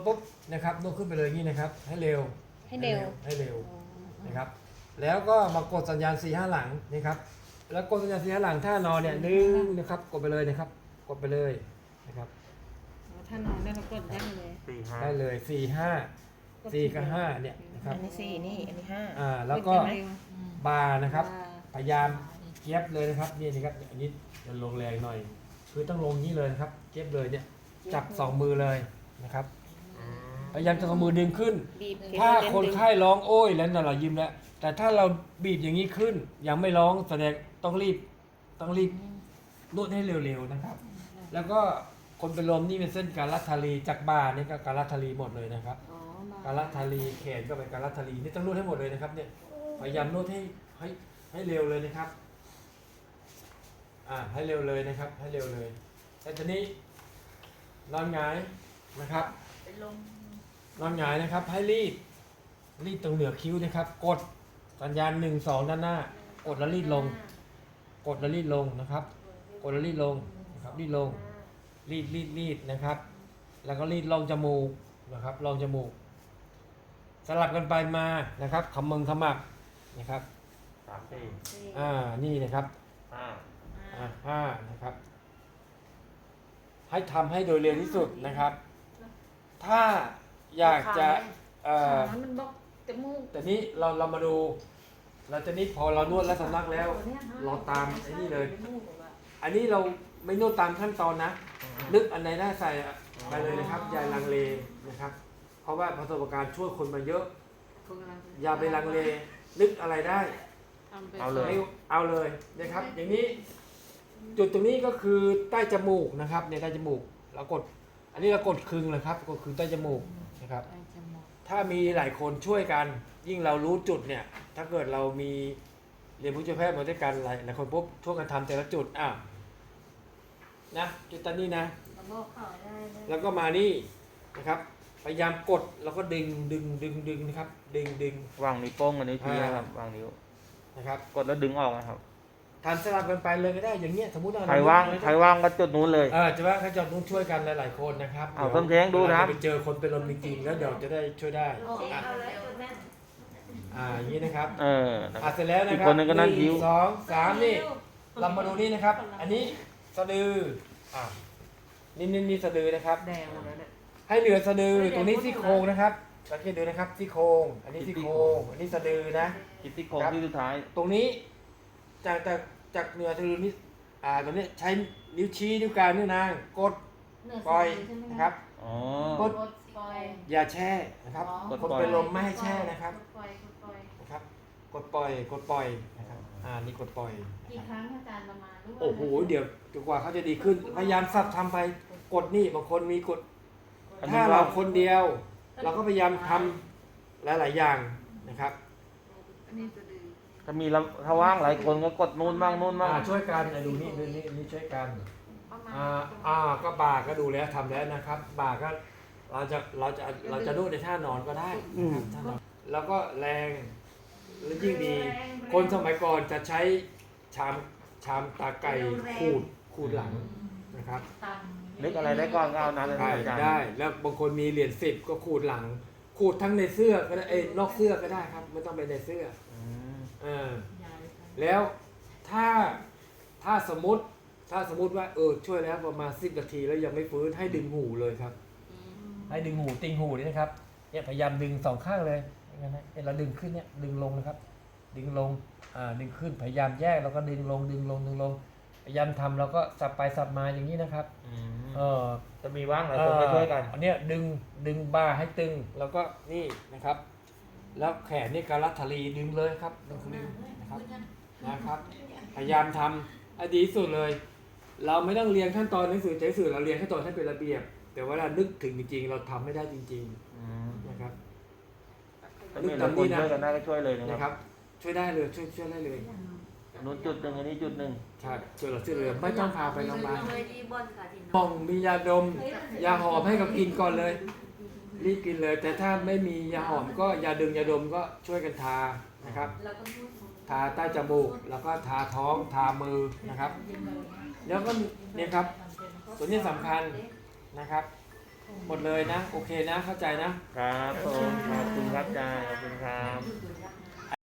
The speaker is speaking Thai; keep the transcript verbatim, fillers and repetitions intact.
ปุ๊บนะครับนวดขึ้นไปเลยนี่นะครับให้เร็วให้เร็วให้เร็วนะครับแล้วก็มากดสัญญาณสี่ห้าหลังนะครับแล้วกดสัญญาณสี่ห้าหลังท่านอนเนี่ยดึงนะครับกดไปเลยนะครับกดไปเลยนะครับถ้านอนได้เรากดได้เลยสี่ห้าได้เลยสี่ห้าสี่กับห้าเนี่ยนะครับอันนี้สี่นี่อันนี้ห้าอ่าแล้วก็เร็วบาร์นะครับอ่าพยายามเก็บเลยนะครับนี่นะครับอันนี้จะลงแรงหน่อยคือต้องลงนี้เลยนะครับเก็บเลยเนี่ยจับสองมือเลยนะครับพยายามจะเอามือดึงขึ้นบีบถ้าคนไข้ร้องโอ้ยแล้วเรายิ้มแล้วแต่ถ้าเราบีบอย่างนี้ขึ้นยังไม่ร้องแสดงต้องรีบต้องรีบนวดให้เร็วๆนะครับ แล้วก็คนเป็นลมนี่เป็นเส้นการลัทธารีจากบ่านี่ก็การลัทธารีหมดเลยนะครับอ๋อการลัทธารีแขนก็เป็นการลัทธารีนี่ต้องนวดให้หมดเลยนะครับเนี่ยพยายามนวดให้ให้ให้เร็วเลยนะครับอ่าให้เร็วเลยนะครับ ให้เร็วเลยแต่ทีนี้นอนหงายนะครับนอนหงายนะครับ ให้รีดรีดตรงเหนือคิ้วนะครับ กดสัญญาณหนึ่งสองด้านหน้ากดแล้วรีดลง กดแล้วรีดลงนะครับ กดแล้วรีดลงนะครับรีดลงรีดรีดรีดนะครับ แล้วก็รีดลองจมูกนะครับลองจมูก สลับกันไปมานะครับขมึงขมักนะครับสามสี่อ่านี่นะครับห้าอ่าห้านะครับ ให้ทำให้โดยเร็วที่สุดนะครับ ถ้าอยากจะเอ่อขามันบอกจมูกแต่นี้เราเรามาดูเราจะนี้พอเรานวดและสำลักแล้ว เราตามไอ้นี่เลย อันนี้เราไม่นวดตามขั้นตอนนะนึกอันไหนได้ใส่ไปเลยนะครับอย่าลังเลนะครับ เพราะว่าประสบการณ์ช่วยคนมาเยอะ อย่าไปลังเลนึกอะไรได้เอาเลยไม่เอาเลยนะครับ อย่างนี้จุดตรงนี้ก็คือใต้จมูกนะครับในใต้จมูกเรากด อันนี้เรากดคึงเลยครับก็คือใต้จมูกนะครับ ถ้ามีหลายคนช่วยกัน ยิ่งเรารู้จุดเนี่ย ถ้าเกิดเรามีเรียนผู้ช่วยแพทย์มาด้วยกันหลายหลายคนปุ๊บช่วยกันทำแต่ละจุดอ่ะนะจุดตอนนี้นะ แล้วก็มานี่นะครับ พยายามกดแล้วก็ดึงดึงดึงดึงนะครับ ดึงดึงวางนิ้วโป้งกับนิ้วชี้นะครับวางนิ้วนะครับกดแล้วดึงออกนะครับทานสลับกันไปเลยก็ได้อย่างเงี้ยสมมุติว่าใครว่างใครว่างก็จุดนู้นเลยเออจะว่าเขาจะต้องช่วยกันหลายๆคนนะครับเอาดี๋ยวต้นแท้งดูนะครับเวลาไปเจอคนเป็นลมจริงๆแล้วเดี๋ยวจะได้ช่วยได้อ่ะอ่าอย่างนี้นะครับเออนะคอ่ะรับเสร็จแล้วนะอีกครับคนนึงก็นั่งยิ้วหสองสามนี่เรามาดูนี่นะครับ อันนี้สะดืออ่ะนี่นี่นี่สะดือนะครับแดงหมดแล้วเนี่ยให้เหลือสะดือตรงนี้ซี่โครงนะครับสังเกตดูนะครับซี่โครงอันนี้ซี่โครงอันนี้สะดือนะคิดที่โค้งที่สุดท้ายตรงนี้จากจากจากเหนือสะดือนี้อ่าตรงนี้ใช้นิ้วชี้นิ้วกลางนิ้วนางกดปล่อยนะครับอ๋อกดอย่าแช่นะครับกดคนปล่อยเป็นลมไม่ให้แช่นะครับปล่อยปล่อยนะครับ กดปล่อยกดปล่อยนะครับอ่านี่กดปล่อยนะกี่คครับ รั้งอาจารย์ประมาณรู้ว่าโอ้โหเดี๋ยวจนกว่าเขาจะดีขึ้นพยายามสับทำไปกดนี่บางคนมีกดอันนี้ถ้าเราว่าคนเดียว เราก็พยายามทำหลาย ๆ อย่างนะครับอันนี้จะดื้อถ้ามีละถ้าว่างหลายคนก็กดนู้นบ้างนู้นบ้างอ่าช่วยกันอ่ะดูนี่ดูนี่นี่ช่วยกันประมาณอ่าอ่าก็บ่าก็ดูแล้วทำแล้วนะครับบ่าก็เราจะเราจะเราจะนวดในท่านอนก็ได้นะครับท่านอนแล้วก็แรงและยิ่งดี คนสมัยก่อนจะใช้ชามชามตาไก่ขูดขูดหลังนะครับตังนึกอะไรได้ก่อนก็เอานั้นเลยได้อาจารย์ได้แล้วบางคนมีเหรียญสิบก็ขูดหลัง ขูดทั้งในเสื้อก็ได้เอ้ยนอกเสื้อก็ได้ครับไม่ต้องเป็นในเสื้ออืมเออแล้วถ้าถ้าสมมติถ้าสมมติว่าเออช่วยแล้วประมาณสิบนาทีแล้วยังไม่ฟื้นให้ดึงหูเลยครับ ให้ดึงหูติงหูนี่นะครับเนี่ยพยายามดึงสองข้างเลยอย่างนั้นนะเนี่ยเราดึงขึ้นเนี่ยดึงลงนะครับ ดึงลงอ่าดึงขึ้นพยายามแยกแล้วก็ดึงลงดึงลงดึงลงพยายามทำแล้วก็สับไปสับมาอย่างนี้นะครับอืมเออจะมีว่างหลายคนก็ช่วยกันอันเนี้ยดึงดึงบ่าให้ตึงแล้วก็นี่นะครับ แล้วแขนนี่การลัทธารีดึงเลยครับดึงดึงนะครับนะครับ พยายามทำให้ดีที่สุดเลย เราไม่ต้องเรียนขั้นตอนหนังสือใจสื่อเราเรียนขั้นตอนให้เป็นระเบียบ แต่ว่าเรานึกถึงจริงๆ เราทำไม่ได้จริงอืมๆนะครับถ้ามีหลายคนช่วยกันได้ก็ช่วยเลยนะนะคครับ รับ ช่วยได้เลยช่วยช่วยได้เลยนู้นจุดหนึ่งอันนี้จุดหนึ่งใช่ช่วยเราช่วยเลยไม่ต้องพาไปโรงพยาบาลเลยที่บนค่ะที่มองมียาดมยาหอมให้เขากินก่อนเลย รีบกินเลย แต่ถ้าไม่มียาหอมก็ยาดึงยาดมก็ช่วยกันทานะครับแล้วก็พูดทาใต้จมูกแล้วก็ทาท้องทามือนะครับ แล้วก็เนี่ยครับตัวนี้สำคัญนะครับหมดเลยนะ โอเคนะ เข้าใจนะครับผมขอบคุณครับอาจารย์ขอบคุณครับดูดูยักษ์